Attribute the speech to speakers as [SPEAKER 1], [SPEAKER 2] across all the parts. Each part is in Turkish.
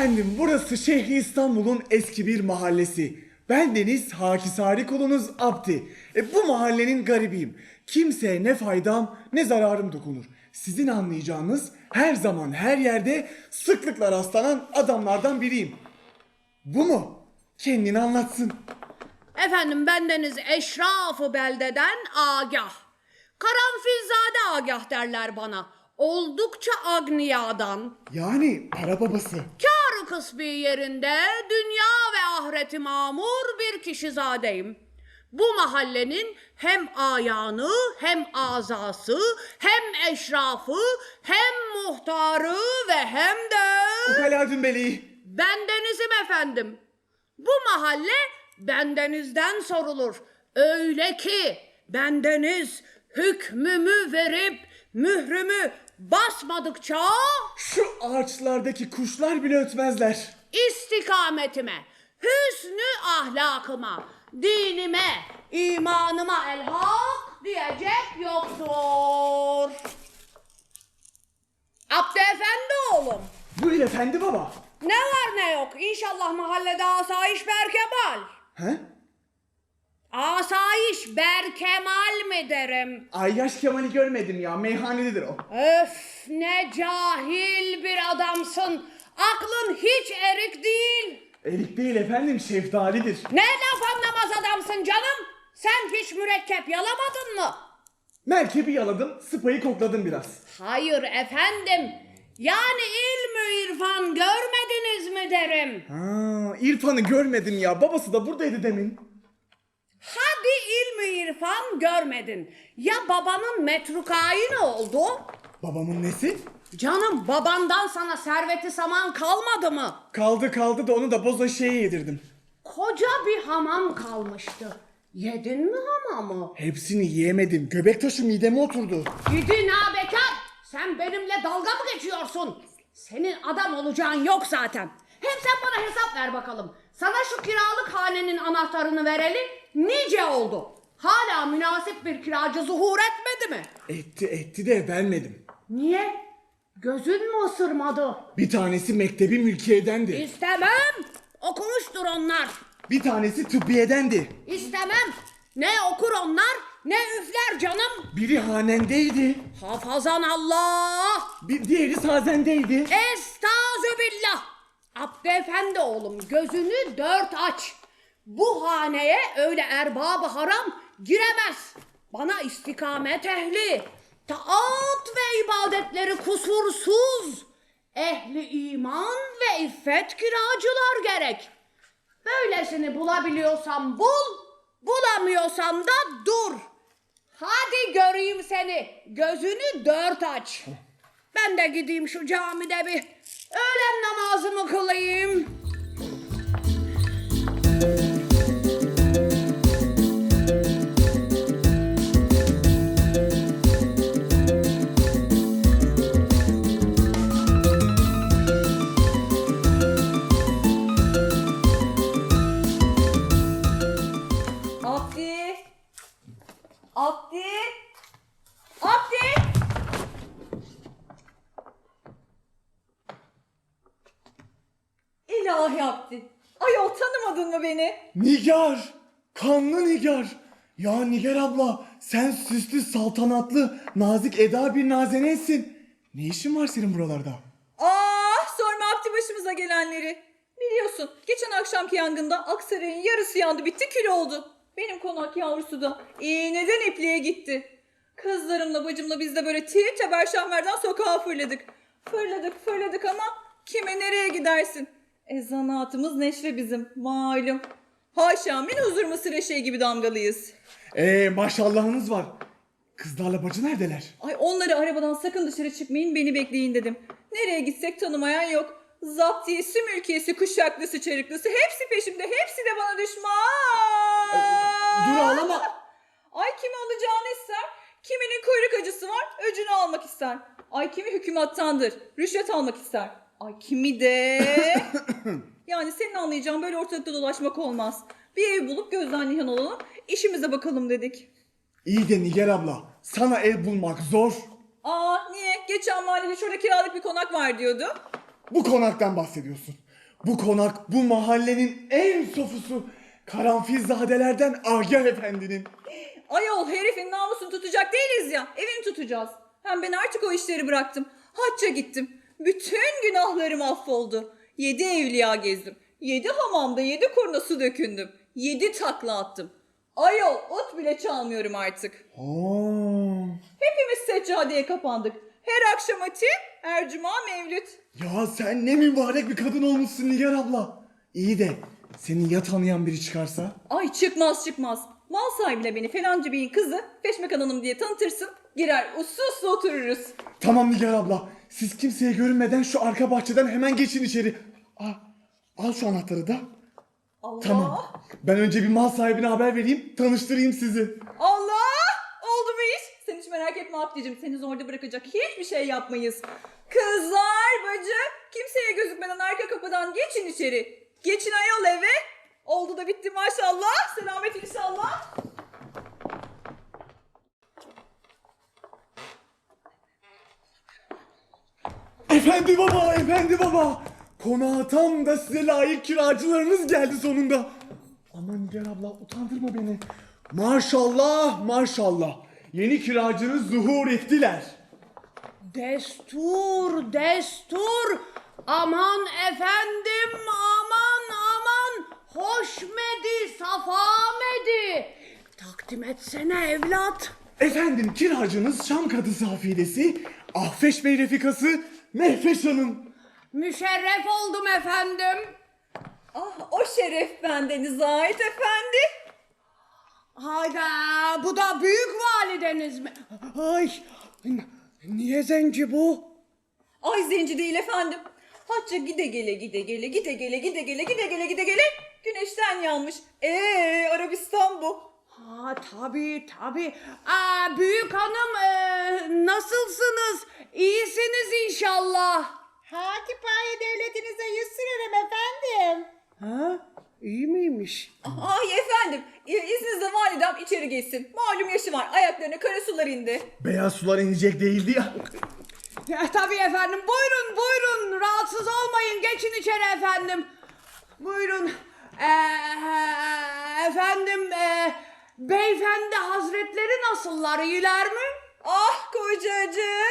[SPEAKER 1] Efendim burası şehri İstanbul'un eski bir mahallesi. Bendeniz Hakisari kulunuz Abdi. Bu mahallenin garibiyim. Kimseye ne faydam ne zararım dokunur. Sizin anlayacağınız her zaman her yerde sıklıkla rastlanan adamlardan biriyim. Bu mu? Kendini anlatsın.
[SPEAKER 2] Efendim bendeniz eşraf-ı beldeden Agah. Karanfilzade Agah derler bana. Oldukça agniyadan.
[SPEAKER 1] Yani para babası.
[SPEAKER 2] Kâr-ı kısbi yerinde dünya ve ahireti mamur bir kişizadeyim. Bu mahallenin hem ayağını hem azası hem eşrafı hem muhtarı ve hem de...
[SPEAKER 1] Ukala Dümbeli.
[SPEAKER 2] bendenizim efendim. Bu mahalle bendenizden sorulur. Öyle ki bendeniz hükmümü verip mührümü basmadıkça
[SPEAKER 1] Şu ağaçlardaki kuşlar bile ötmezler.
[SPEAKER 2] istikametime, hüsnü ahlakıma, dinime, imanıma elhak diyecek yoktur. Abdü Efendi oğlum,
[SPEAKER 1] Buyur efendi baba.
[SPEAKER 2] ne var ne yok, İnşallah mahallede asayiş berkemal.
[SPEAKER 1] He?
[SPEAKER 2] Asayiş berkemal mi derim?
[SPEAKER 1] Ayyaş Kemal'i görmedim ya. Meyhanededir o.
[SPEAKER 2] Öf, ne cahil bir adamsın. Aklın hiç erik değil.
[SPEAKER 1] Erik değil efendim, şeftalidir.
[SPEAKER 2] Ne laf anlamaz adamsın canım. Sen hiç mürekkep yalamadın mı?
[SPEAKER 1] Merkebi yaladım, sıpayı kokladım biraz.
[SPEAKER 2] Hayır efendim. Yani ilmü irfan görmediniz mi derim.
[SPEAKER 1] Ha, İrfan'ı görmedim ya. Babası da buradaydı demin.
[SPEAKER 2] Hadi ilmü irfan görmedin. Ya babanın metrukayı ne oldu?
[SPEAKER 1] Babamın nesi?
[SPEAKER 2] Canım babandan sana serveti saman kalmadı mı?
[SPEAKER 1] Kaldı da onu da boza şeye yedirdim.
[SPEAKER 2] Koca bir hamam kalmıştı. Yedin mi hamamı?
[SPEAKER 1] Hepsini yiyemedim. Göbek taşı mideme oturdu.
[SPEAKER 2] Gidin ha bekar. Sen benimle dalga mı geçiyorsun? Senin adam olacağın yok zaten. Hem sen bana hesap ver bakalım. Sana şu kiralık hanenin anahtarını vereli nice oldu? Hala münasip bir kiracı zuhur etmedi mi?
[SPEAKER 1] Etti de vermedim.
[SPEAKER 2] Niye? Gözün mü ısırmadı?
[SPEAKER 1] Bir tanesi mektebi mülkiyedendi.
[SPEAKER 2] İstemem. Okumuştur onlar.
[SPEAKER 1] Bir tanesi tıbbiyedendi.
[SPEAKER 2] İstemem. Ne okur onlar ne üfler canım.
[SPEAKER 1] Biri hanendeydi.
[SPEAKER 2] Hafazan Allah.
[SPEAKER 1] Bir diğeri sazendeydi.
[SPEAKER 2] Estağfirullah. Abdü Efendi oğlum gözünü dört aç. Bu haneye öyle erbab-ı haram giremez. Bana istikamet ehli, taat ve ibadetleri kusursuz, ehli iman ve iffet kiracılar gerek. Böylesini bulabiliyorsan bul, bulamıyorsan da dur. Hadi göreyim seni, gözünü dört aç. Ben de gideyim şu camide bir öğlen namazımı kılayım.
[SPEAKER 3] Abdi! Abdi! Abdi! İlahi Abdi! Ayol tanımadın mı beni?
[SPEAKER 1] Nigar! Kanlı Nigar! Ya Nigar abla, sen süslü, saltanatlı, nazik eda bir nazeneysin. Ne işin var senin buralarda?
[SPEAKER 3] Ah sorma Abdi başımıza gelenleri. Biliyorsun geçen akşamki yangında Aksaray'ın yarısı yandı bitti kül oldu. Benim konak yavrusu da iğneden ipliğe gitti. Kızlarımla bacımla biz de böyle tir teber şahmerden sokağa fırladık. Fırladık ama kime nereye gidersin? Zanaatımız neşre bizim malum. Haşa min huzur mısır eşeği gibi damgalıyız.
[SPEAKER 1] Maşallahınız var. Kızlarla bacı neredeler?
[SPEAKER 3] Ay onları arabadan sakın dışarı çıkmayın beni bekleyin dedim. Nereye gitsek tanımayan yok. Zaptiyesi, mülkiyesi, kuşaklısı, çarıklısı hepsi peşimde. Hepsi de bana düşman.
[SPEAKER 1] Dur ağlama.
[SPEAKER 3] Ay kimi alacağını ister. Kiminin kuyruk acısı var öcünü almak ister. Ay kimi hükümattandır rüşvet almak ister. Ay kimi de... Yani senin anlayacağın böyle ortalıkta dolaşmak olmaz. Bir ev bulup gözden nişan olalım işimize bakalım dedik.
[SPEAKER 1] İyi de Nigar abla, sana ev bulmak zor.
[SPEAKER 3] Aa niye? Geçen mahallede şurada kiralık bir konak var diyordu.
[SPEAKER 1] Bu konaktan bahsediyorsun. Bu konak bu mahallenin en sofusu. Karanfilzadelerden Agah Efendi'nin.
[SPEAKER 3] Ayol herifin namusunu tutacak değiliz ya. Evini tutacağız. Hem ben artık o işleri bıraktım. Hacca gittim. Bütün günahlarım affoldu. 7 evliya gezdim. 7 hamamda 7 kurna su dökündüm. 7 takla attım. Ayol ot bile çalmıyorum artık.
[SPEAKER 1] Oo.
[SPEAKER 3] Hepimiz seccadeye kapandık. Her akşam ati, her cuma mevlüt.
[SPEAKER 1] Ya sen ne mübarek bir kadın olmuşsun Nigar abla. İyi de seni ya tanıyan biri çıkarsa?
[SPEAKER 3] Ay çıkmaz çıkmaz. Mal sahibine beni falanca beyin kızı Peşmekan Hanım diye tanıtırsın. Girer uslu uslu otururuz.
[SPEAKER 1] Tamam Nigar abla. Siz kimseye görünmeden şu arka bahçeden hemen geçin içeri. Al şu anahtarı da.
[SPEAKER 3] Allah.
[SPEAKER 1] Tamam. Ben önce bir mal sahibine haber vereyim. Tanıştırayım sizi.
[SPEAKER 3] Allah! Oldu bu iş. Sen hiç merak etme Abdicim. Seni zorda bırakacak hiçbir şey yapmayız. Kızlar, bacı, kimseye gözükmeden arka kapıdan geçin içeri. Geçin ayol eve. Oldu da bitti maşallah. Selamet inşallah.
[SPEAKER 1] Efendi baba, efendi baba. Konağa tam da size layık kiracılarınız geldi sonunda. Aman Nigar abla utandırma beni. Maşallah, maşallah. Yeni kiracınız zuhur ettiler.
[SPEAKER 2] Destur, destur. Aman efendim, aman aman. Hoşmedi, safamedi. Takdim etsene evlat.
[SPEAKER 1] Efendim kiracınız Şam kadısı hafidesi, Ahfeş Bey refikası Mehveş Hanım.
[SPEAKER 2] Müşerref oldum efendim.
[SPEAKER 3] Ah o şeref bendeniz ait efendi.
[SPEAKER 2] Hayda, bu da büyük valideniz mi? Ay, niye zenci bu?
[SPEAKER 3] Ay zenci değil efendim. Hacca gide gele gide gele gide gele gide gele gide gele gide gele güneşten yanmış. Arabistan bu.
[SPEAKER 2] Ha tabii tabii. Büyük hanım nasılsınız? İyisiniz inşallah.
[SPEAKER 4] Hatipaye devletinize yüz sürerim efendim.
[SPEAKER 2] Ha? İyi miymiş?
[SPEAKER 3] Ay efendim izninizle validem içeri geçsin. Malum yaşı var ayaklarına kara sular indi.
[SPEAKER 1] Beyaz sular inecek değildi ya.
[SPEAKER 2] Tabii efendim. Buyurun buyurun. Rahatsız olmayın. Geçin içeri efendim. Buyurun. Efendim beyefendi hazretleri nasıllar? İyiler mi?
[SPEAKER 3] Ah kocacığım.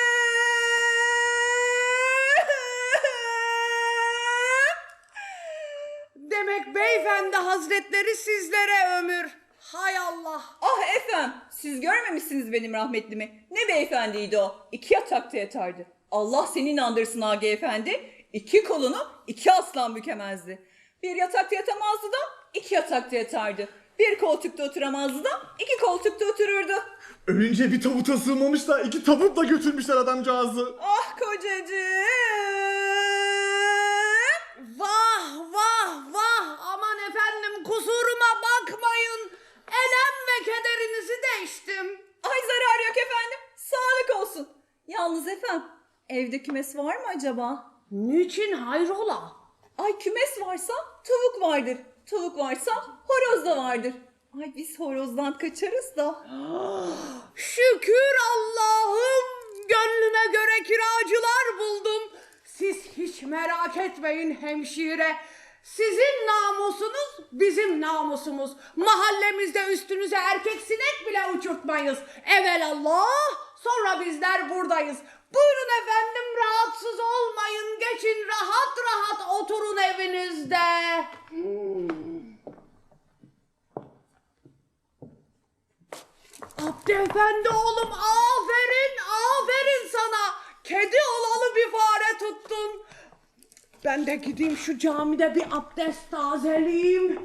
[SPEAKER 2] Demek beyefendi hazretleri sizlere ömür. Hay Allah.
[SPEAKER 3] Ah efendim siz görmemişsiniz benim rahmetlimi. Ne beyefendiydi o. 2 yatakta yatardı. Allah seni inandırsın Agi efendi. 2 kolunu 2 aslan bükemezdi. Bir yatakta yatamazdı da 2 yatakta yatardı. Bir koltukta oturamazdı da 2 koltukta otururdu.
[SPEAKER 1] Ölünce bir tabuta sığmamış da 2 tabutla götürmüşler adamcağızı.
[SPEAKER 3] Ah kocacığım.
[SPEAKER 2] Vah vah vah. Aman efendim kusuruma bakmayın. Elem ve kederinizi değiştim.
[SPEAKER 3] Ay zarar yok efendim. Sağlık olsun. Yalnız efendim evde kümes var mı acaba?
[SPEAKER 2] Niçin hayrola?
[SPEAKER 3] Ay kümes varsa tavuk vardır. Tavuk varsa horoz da vardır. Ay biz horozdan kaçarız da.
[SPEAKER 2] Şükür Allah'ım, gönlüme göre kiracılar buldum. Siz hiç merak etmeyin hemşire. Sizin namusunuz bizim namusumuz. Mahallemizde üstünüze erkek sinek bile uçurtmayız. Evelallah, sonra bizler buradayız. Buyurun efendim, rahatsız olmayın. Geçin rahat rahat oturun evinizde. Abdi efendi oğlum, aferin aferin sana. Kedi olalı bir fare tuttun. Ben de gideyim şu camide bir abdest tazeleyeyim.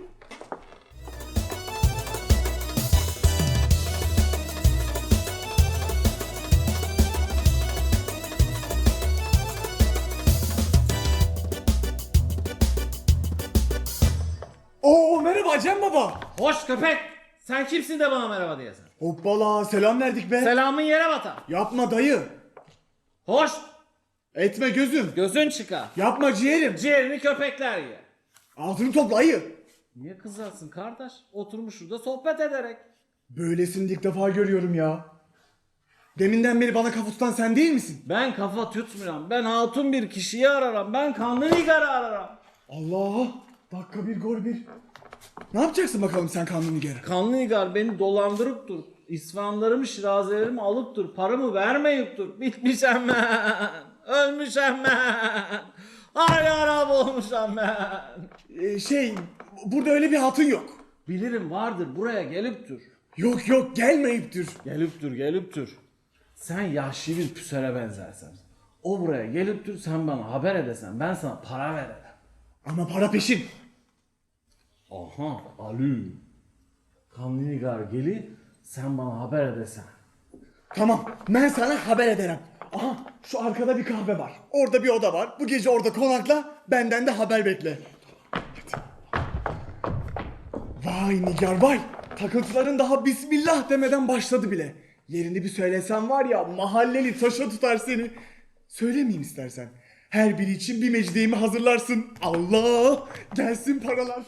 [SPEAKER 1] Oo merhaba Cem baba.
[SPEAKER 5] Hoş köpek. Sen kimsin de bana merhaba diyorsun?
[SPEAKER 1] Hoppala selam verdik be.
[SPEAKER 5] Selamın yere batar.
[SPEAKER 1] Yapma dayı.
[SPEAKER 5] Hoş.
[SPEAKER 1] Etme gözüm.
[SPEAKER 5] Gözün çıkar.
[SPEAKER 1] Yapma ciğerim.
[SPEAKER 5] Ciğerini köpekler yer.
[SPEAKER 1] Altını topla ayı.
[SPEAKER 5] Niye kızarsın kardeş? Oturmuş şurada sohbet ederek.
[SPEAKER 1] Böylesini ilk defa görüyorum ya. Deminden beri bana kafa tutan sen değil misin?
[SPEAKER 5] Ben kafa tutmuyorum. Ben hatun bir kişiyi ararım. Ben kanlı Nigar'ı ararım.
[SPEAKER 1] Allah! Dakika bir gol bir. Ne yapacaksın bakalım sen Kanlı Nigar?
[SPEAKER 5] Kanlı Nigar beni dolandırıp dur. İsfahanlarımı, şirazelerimi alıp dur. Paramı vermeyip dur. Bitmişem ben. Ölmüşem ben. Ay Arap olmuşam ben.
[SPEAKER 1] Burada öyle bir hatun yok.
[SPEAKER 5] Bilirim vardır, buraya gelip dur.
[SPEAKER 1] Yok yok, gelmeyiptir.
[SPEAKER 5] Gelip dur. Sen yaşlı bir püsere benzersen. O buraya gelip dur, sen bana haber edesen, ben sana para veririm.
[SPEAKER 1] Ama para peşin.
[SPEAKER 5] Aha, Ali. Kanlı Nigar geli, sen bana haber edesen.
[SPEAKER 1] Tamam, ben sana haber ederim. Aha, şu arkada bir kahve var. Orada bir oda var. Bu gece orada konakla, benden de haber bekle. Hadi. Vay Nigar vay. Takıntıların daha bismillah demeden başladı bile. Yerini bir söylesem var ya, mahalleli taşa tutar seni. Söylemeyeyim istersen. Her biri için bir mecdiyemi hazırlarsın. Allah! Gelsin paralar.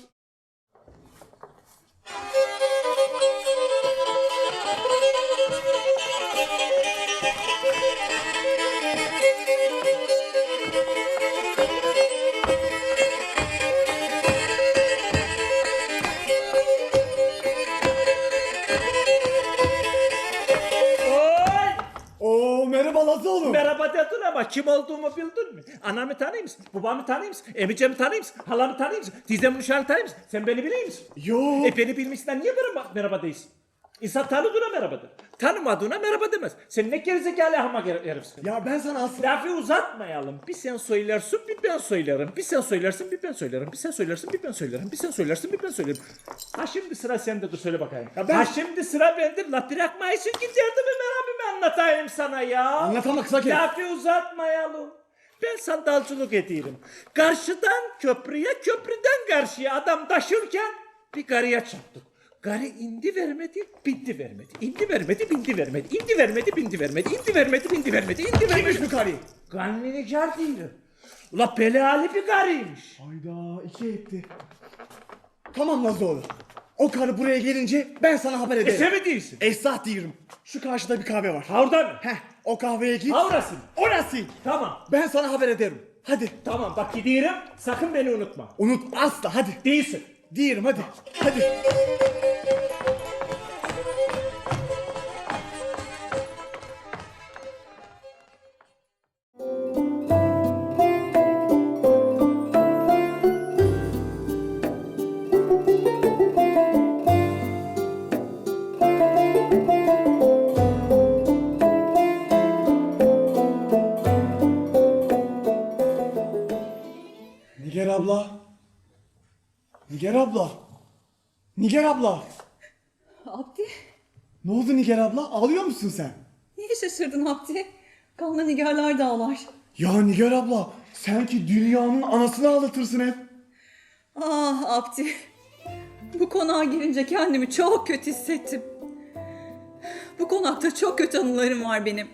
[SPEAKER 1] Oo merhaba Lazoğlu.
[SPEAKER 6] Merhaba dedin ama kim olduğumu bildin mi? Anamı tanıyor musun? Babamı tanıyor musun? Emicemi tanıyor musun? Halamı tanıyor musun? Teyzemin uşağını tanıyor musun? Sen beni biliyor musun?
[SPEAKER 1] Yo.
[SPEAKER 6] Beni bilmişsen niye bana merhaba değilsin? İnsan tanıdığına merhaba der. Tanımadığına merhaba demez. Sen ne gerizekalı hamak herifsin.
[SPEAKER 1] Ya ben sana aslında...
[SPEAKER 6] Lafı uzatmayalım. Bir sen söylersin bir ben söylerim. Bir sen söylersin bir ben söylerim. Bir sen söylersin bir ben söylerim. Bir sen söylersin bir ben söylerim. Ha şimdi sıra sende dur söyle bakayım.
[SPEAKER 1] Ya ben-
[SPEAKER 6] Ha şimdi sıra bende. La bırakmayısın ki derdimi merhabimi anlatayım sana ya.
[SPEAKER 1] Anlatama kısa kes.
[SPEAKER 6] Lafı uzatmayalım. Ben sandalcılık ediyorum. Karşıdan köprüye, köprüden karşıya adam taşırken bir karıya çarptık. Karı indi vermedi, bindi vermedi. İndi vermedi, bindi vermedi. İndi vermedi, bindi vermedi. İndi vermedi, bindi vermedi. İndi
[SPEAKER 1] Kimmiş
[SPEAKER 6] vermedi.
[SPEAKER 1] bu karı?
[SPEAKER 6] Kanlı Nigar değilim. Ula belali bir karıymış.
[SPEAKER 1] Hayda iki etti. Tamam Lazoğlu. O karı buraya gelince ben sana haber ederim.
[SPEAKER 6] Sen mi değilsin?
[SPEAKER 1] Esnaf diyorum. Şu karşıda bir kahve var.
[SPEAKER 6] Ha orada mı?
[SPEAKER 1] Heh, o kahveye git.
[SPEAKER 6] Ha orası mı?
[SPEAKER 1] Orası.
[SPEAKER 6] Tamam.
[SPEAKER 1] Ben sana haber ederim. Hadi.
[SPEAKER 6] Tamam bak gidiyorum. Sakın beni unutma.
[SPEAKER 1] Unut asla hadi.
[SPEAKER 6] Değilsin.
[SPEAKER 1] Diyelim hadi. Hadi. Nigar abla. Nigar abla. Nigar abla.
[SPEAKER 3] Abdi,
[SPEAKER 1] Ne oldu Nigar abla? Ağlıyor musun sen?
[SPEAKER 3] niye şaşırdın Abdi? Kanlı nigarlar da ağlar.
[SPEAKER 1] Ya Nigar abla, sen ki dünyanın anasını ağlatırsın hep.
[SPEAKER 3] Ah Abdi, bu konağa girince kendimi çok kötü hissettim. Bu konakta çok kötü anılarım var benim.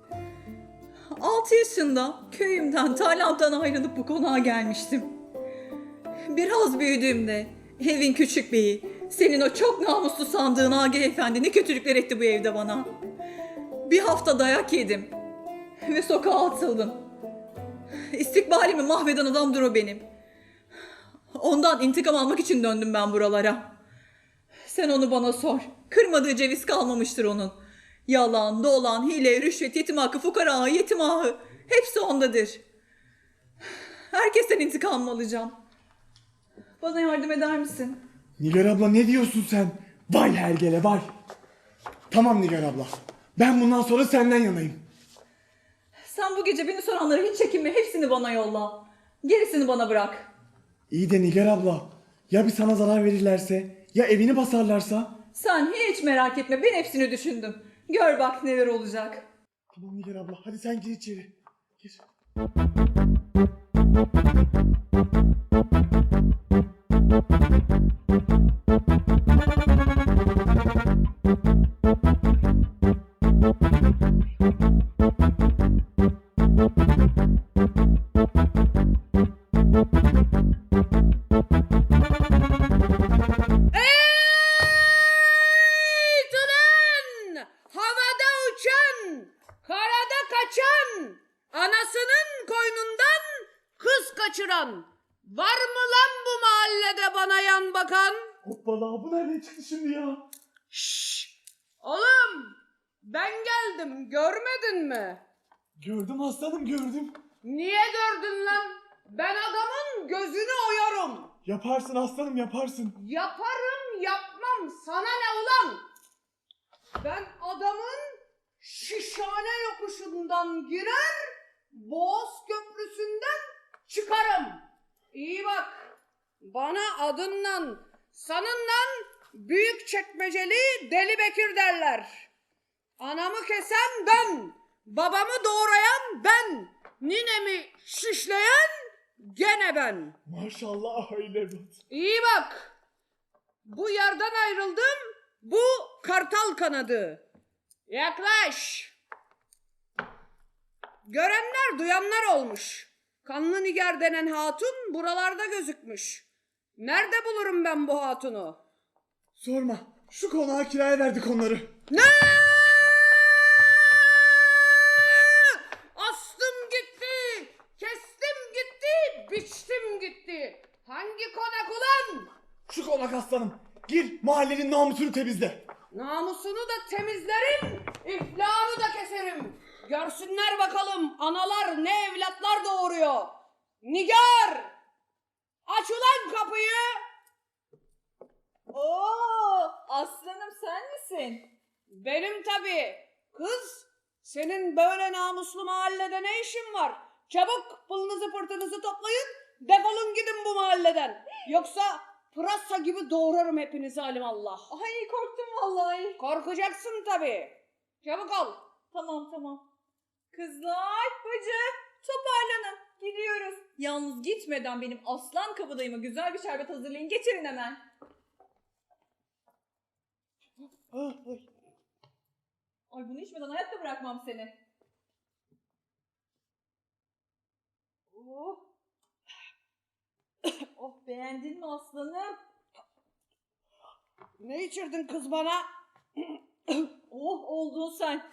[SPEAKER 3] 6 yaşında köyümden, tarlamdan ayrılıp bu konağa gelmiştim. Biraz büyüdüğümde evin küçük beyi, senin o çok namuslu sandığın Agi Efendi ne kötülükler etti bu evde bana. Bir hafta dayak yedim ve sokağa atıldım. İstikbalimi mahveden adamdır o benim. Ondan intikam almak için döndüm ben buralara. Sen onu bana sor. Kırmadığı ceviz kalmamıştır onun. Yalan, dolan, hile, rüşvet, yetim hakkı, fukara, yetim ahı. Hepsi ondadır. Herkesten intikam alacağım. Bana yardım eder misin?
[SPEAKER 1] Nigar abla ne diyorsun sen? Vay hergele vay. Tamam Nigar abla. Ben bundan sonra senden yanayım.
[SPEAKER 3] Sen bu gece beni soranlara hiç çekinme. Hepsini bana yolla. Gerisini bana bırak.
[SPEAKER 1] İyi de Nigar abla. Ya bir sana zarar verirlerse? Ya evini basarlarsa?
[SPEAKER 3] Sen hiç merak etme. Ben hepsini düşündüm. Gör bak neler olacak.
[SPEAKER 1] Tamam Nigar abla. Hadi sen gir içeri. Gir.
[SPEAKER 2] Ulan! Havada uçan, karada kaçan, anasının koynundan kız kaçıran. Var mı lan bu mahallede bana yan bakan?
[SPEAKER 1] Hoppala, bu nereden çıktı şimdi ya?
[SPEAKER 2] Şşş! Oğlum! Ben geldim, görmedin mi?
[SPEAKER 1] Gördüm aslanım, gördüm.
[SPEAKER 2] Niye gördün lan? Ben adamın gözünü oyarım.
[SPEAKER 1] Yaparsın aslanım, yaparsın.
[SPEAKER 2] Yaparım yapmam sana ne ulan? Ben adamın şişhane yokuşundan girer, Boğaz Köprüsü'nden çıkarım. İyi bak, bana adınla, sanınla Büyükçekmeceli Deli Bekir derler. Anamı kesen ben, babamı doğrayan ben, ninemi şişleyen gene ben.
[SPEAKER 1] Maşallah öyle evlat.
[SPEAKER 2] İyi bak. Bu yerden ayrıldım. Bu kartal kanadı. Yaklaş. Görenler duyanlar olmuş. Kanlı Nigar denen hatun buralarda gözükmüş. Nerede bulurum ben bu hatunu?
[SPEAKER 1] Sorma, şu konağa kiraya verdik onları.
[SPEAKER 2] Ne? Astım gitti. Kestim gitti. Biçtim gitti. Hangi konak ulan?
[SPEAKER 1] Şu konak aslanım. Gir, mahallenin namusunu temizle.
[SPEAKER 2] Namusunu da temizlerim, iflahını da keserim. Görsünler bakalım analar ne evlatlar doğuruyor. Nigar! Aç ulan kapıyı!
[SPEAKER 3] Oo, aslanım sen misin?
[SPEAKER 2] Benim tabii. Kız, senin böyle namuslu mahallede ne işin var? Çabuk pılınızı pırtınızı toplayın, defolun gidin bu mahalleden. Yoksa pırasa gibi doğrarım hepinizi alimallah.
[SPEAKER 3] Ay korktum vallahi.
[SPEAKER 2] Korkacaksın tabii. Çabuk ol.
[SPEAKER 3] Tamam. Kızlar, bacı, toparlanın. Gidiyoruz. Yalnız gitmeden benim aslan kabadayıma güzel bir şerbet hazırlayın. Getirin hemen. Ay bunu içmeden hayatta bırakmam seni. Oh. Oh beğendin mi aslanım?
[SPEAKER 2] Ne içirdin kız bana?
[SPEAKER 3] Oh oldun sen.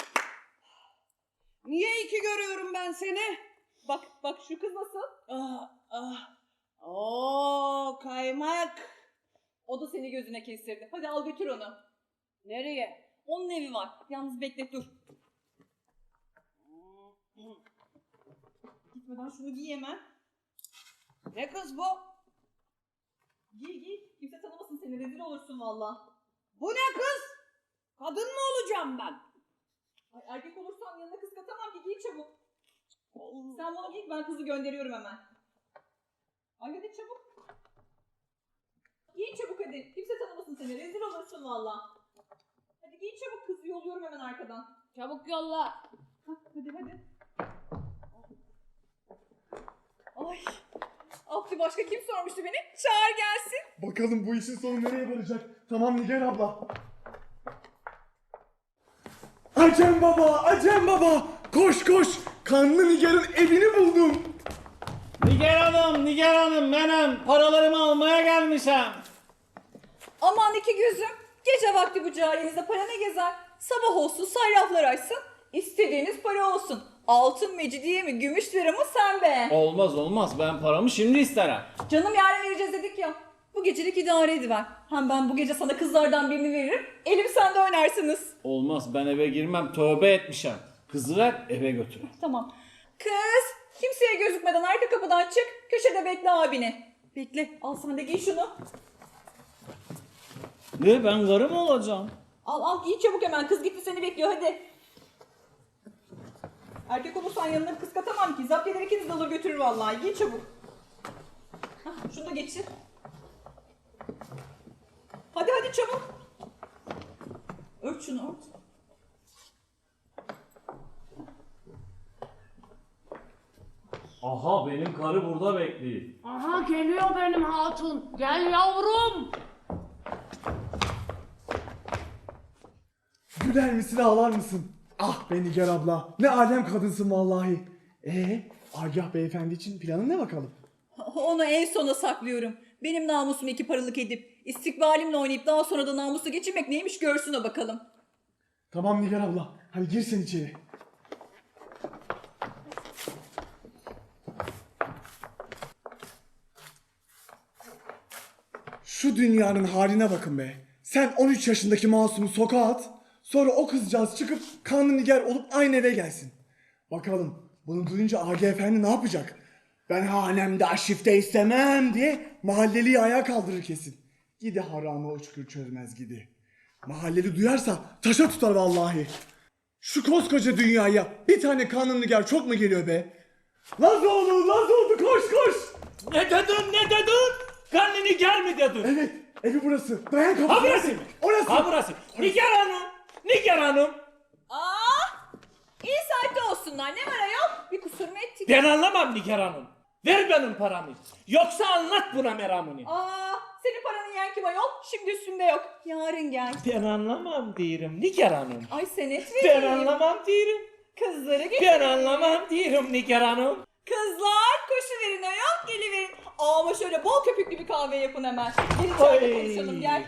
[SPEAKER 2] Niye iki görüyorum ben seni?
[SPEAKER 3] Bak şu kız nasıl?
[SPEAKER 2] Oo kaymak.
[SPEAKER 3] O da seni gözüne kestirdi. Hadi al götür onu.
[SPEAKER 2] Nereye?
[SPEAKER 3] Onun evi var. Yalnız bekle dur. Gitmeden şunu giy hemen.
[SPEAKER 2] Ne kız bu?
[SPEAKER 3] Giy. Kimse tanımasın seni. Rezil olursun valla.
[SPEAKER 2] Bu ne kız? Kadın mı olacağım ben?
[SPEAKER 3] Ay erkek olursan yanına kız katamam ki. Giy çabuk. Sen bunu giy ben kızı gönderiyorum hemen. Ay hadi çabuk. Giy çabuk hadi. Kimse tanımasın seni. Rezil olursun valla. Hadi giy çabuk kızı yolluyorum hemen arkadan.
[SPEAKER 2] Çabuk yolla.
[SPEAKER 3] Hadi. Ay. Abdü başka kim sormuştu beni? Çağır gelsin.
[SPEAKER 1] Bakalım bu işin sonu nereye varacak? Tamam Nigar abla. Acem baba! Koş! Kanlı Nigar'ın evini buldum.
[SPEAKER 5] Nigar Hanım benim paralarımı almaya gelmişim.
[SPEAKER 3] Aman iki gözüm. Gece vakti bu cahilinizde para ne gezer? Sabah olsun sayraflar açsın. İstediğiniz para olsun. Altın mecidiye mi gümüş lira mı sen be?
[SPEAKER 5] Olmaz ben paramı şimdi isterim.
[SPEAKER 3] Canım yarın vereceğiz dedik ya. Bu gecelik idare ediver. Hem ben bu gece sana kızlardan birini veririm. Elim sende oynarsınız.
[SPEAKER 5] Olmaz ben eve girmem tövbe etmişim. Kızı ver eve götür.
[SPEAKER 3] Tamam. Kız kimseye gözükmeden arka kapıdan çık. Köşede bekle abini. Bekle al sen de giy şunu.
[SPEAKER 5] Ne ben karı mı olacağım?
[SPEAKER 3] Al giy çabuk hemen. Kız gitti seni bekliyor hadi. Erkek olursan yanına kız katamam ki. Zapt eder ikiniz de alır götürür vallahi. Giy çabuk. Hah, şunu da geçir. Hadi çabuk. Ört şunu ört.
[SPEAKER 5] Aha benim karı burada bekliyor.
[SPEAKER 2] Aha geliyor benim hatun. Gel yavrum.
[SPEAKER 1] Güler misin ağlar mısın? Ah be Nigar abla. Ne alem kadınsın vallahi. Agah beyefendi için planın ne bakalım?
[SPEAKER 3] Onu en sona saklıyorum. Benim namusumu iki paralık edip istikbalimle oynayıp daha sonra da namusu geçirmek neymiş görsün o bakalım.
[SPEAKER 1] Tamam Nigar abla. Hadi gir sen içeri. Şu dünyanın haline bakın be. Sen 13 yaşındaki masumu sokağa at. Sonra o kızcağız çıkıp kanlı nigar olup aynı eve gelsin. Bakalım bunu duyunca Agi Efendi ne yapacak? Ben hanemde aşifte istemem diye mahalleliyi ayağa kaldırır kesin. Gidi harama uçkur çözmez gidi. Mahalleli duyarsa taşa tutar vallahi. Şu koskoca dünyaya bir tane kanlı nigar çok mu geliyor be? Lazoğlu, Lazoğlu koş koş.
[SPEAKER 6] Ne dedin? Karnını gel mi dedin?
[SPEAKER 1] Evet, evi burası. Dayan kapısı.
[SPEAKER 6] Ha burası mı?
[SPEAKER 1] Orası.
[SPEAKER 6] Ha burası. Nigar Hanım.
[SPEAKER 3] İyi saatte olsunlar. Ne var ayol? Bir kusur mu ettik?
[SPEAKER 6] Ben anlamam Nigar Hanım. Ver benim paramı. Yoksa anlat buna meramını.
[SPEAKER 3] Senin paranı yiyen kim ayol? Şimdi üstümde yok. Yarın gel.
[SPEAKER 6] Ben anlamam diyorum Nigar Hanım.
[SPEAKER 3] Ay senet
[SPEAKER 6] Ben
[SPEAKER 3] vereyim.
[SPEAKER 6] anlamam diyorum.
[SPEAKER 3] Kızları getir.
[SPEAKER 6] Ben anlamam diyorum Nigar Hanım.
[SPEAKER 3] Kızlar koşuverin ayol geliverin. Ama şöyle bol köpüklü bir kahve yapın hemen. Gel içeride
[SPEAKER 6] Oy.
[SPEAKER 3] konuşalım gel.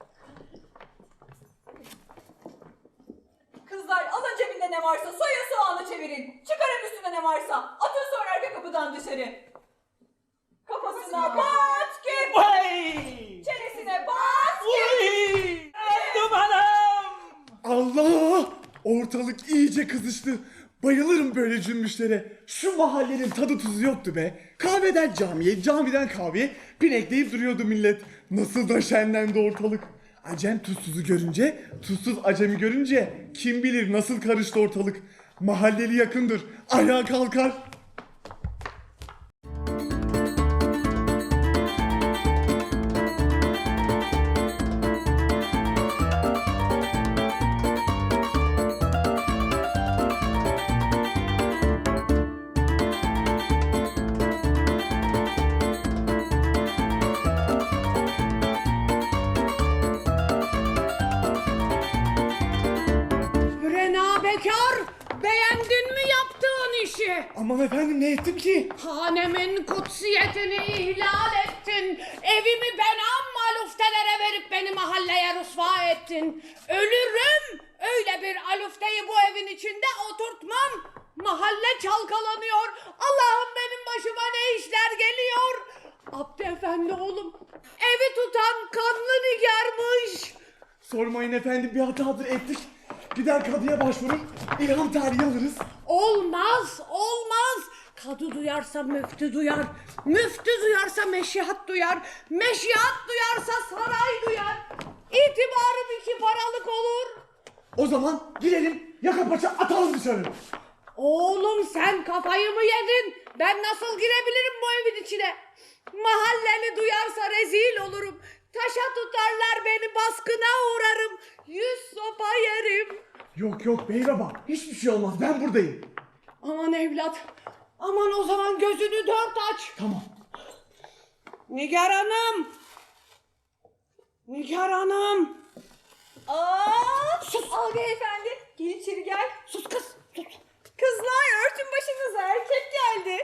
[SPEAKER 3] Kızlar alın cebinde ne varsa soyun soğanı çevirin. Çıkarın üstüne ne varsa. Atın sonra arka kapıdan dışarı. Kafasına bat gir.
[SPEAKER 6] Vay!
[SPEAKER 3] Çenesine bat gir.
[SPEAKER 6] Vay! Öldüm hanım!
[SPEAKER 1] Allah! Ortalık iyice kızıştı. Bayılırım böyle cümbüşlere. Şu mahallenin tadı tuzu yoktu be. Kahveden camiye, camiden kahveye pinekleyip duruyordu millet. Nasıl da şenlendi ortalık. Acem tuzsuzu görünce, tuzsuz acemi görünce kim bilir nasıl karıştı ortalık. Mahalleli yakındır, ayağa kalkar.
[SPEAKER 2] Rena Bekar, beğendin mi yaptığın işi?
[SPEAKER 1] Aman efendim ne ettim ki?
[SPEAKER 2] Hanemin kutsiyetini ihlal ettin. Evimi benam maluftelere verip beni mahalleye rüsva ettin. Ölürüm. Öyle bir alufteyi bu evin içinde oturtmam. Mahalle çalkalanıyor. Allah'ım benim başıma ne işler geliyor. Abdü Efendi oğlum, evi tutan kanlı nigarmış.
[SPEAKER 1] Sormayın efendim bir hatadır ettik. Gider kadıya başvurur, ilham tarihi alırız.
[SPEAKER 2] Olmaz, olmaz. Kadı duyarsa müftü duyar. Müftü duyarsa meşihat duyar. Meşihat duyarsa saray duyar. İtibarım 2 paralık olur.
[SPEAKER 1] O zaman girelim yaka paça atalım dışarı.
[SPEAKER 2] Oğlum sen kafayı mı yedin? Ben nasıl girebilirim bu evin içine? Mahalleli duyarsa rezil olurum. Taşa tutarlar beni, baskına uğrarım. 100 sopa yerim.
[SPEAKER 1] Yok yok bey baba hiçbir şey olmaz ben buradayım.
[SPEAKER 2] Aman evlat. Aman o zaman gözünü 4 aç.
[SPEAKER 1] Tamam.
[SPEAKER 2] Nigar Hanım. Nigar Hanım.
[SPEAKER 3] Sus. Abi efendi gel içeri gel.
[SPEAKER 2] Sus kız. Sus.
[SPEAKER 3] Kızlar örtün başınıza erkek geldi.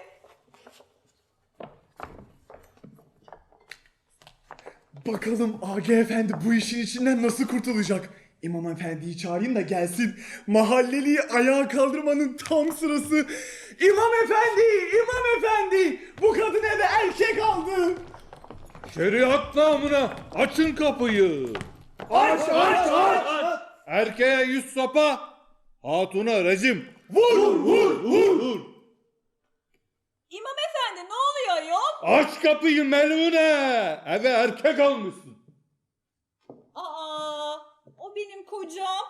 [SPEAKER 1] Bakalım AG Efendi bu işin içinden nasıl kurtulacak? İmam Efendi'yi çağırayım da gelsin. Mahalleliyi ayağa kaldırmanın tam sırası. İmam Efendi! İmam Efendi! Bu kadın eve erkek aldı.
[SPEAKER 7] Şeriat namına açın kapıyı.
[SPEAKER 1] Aç aç aç!
[SPEAKER 7] Erkeğe 100 sopa, hatuna rejim.
[SPEAKER 1] Vur!
[SPEAKER 3] İmam efendi ne oluyor ayol?
[SPEAKER 7] Aç kapıyı Melune. Eve erkek almışsın.
[SPEAKER 3] O benim kocam.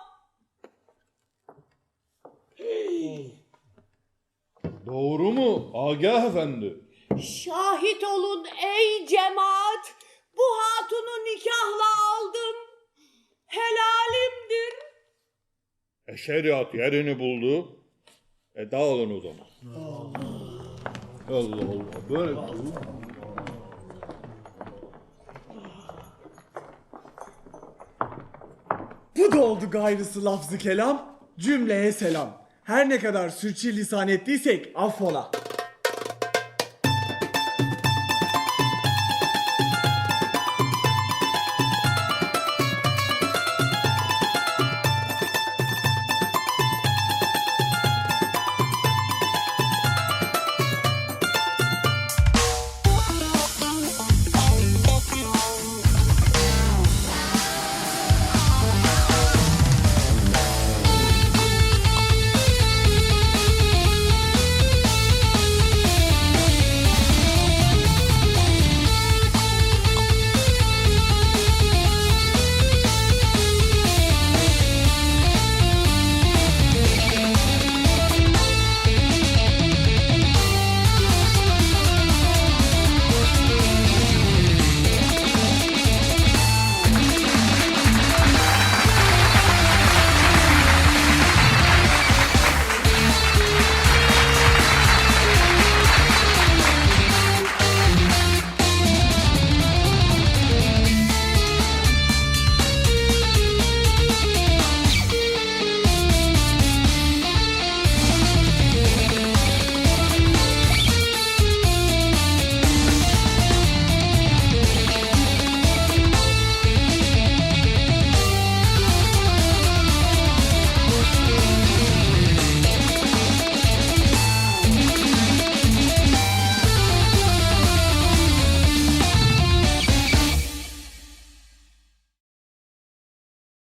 [SPEAKER 7] Doğru mu Agah Efendi?
[SPEAKER 2] Şahit olun ey cemaat. Bu hatunu nikahla aldım. Helalimdir.
[SPEAKER 7] Şeriat yerini buldu. Dağılın o zaman. Allah Allah böyle.
[SPEAKER 1] Bu da oldu gayrısı lafzı kelam. Cümleye selam. Her ne kadar sürçülisan ettiysek affola.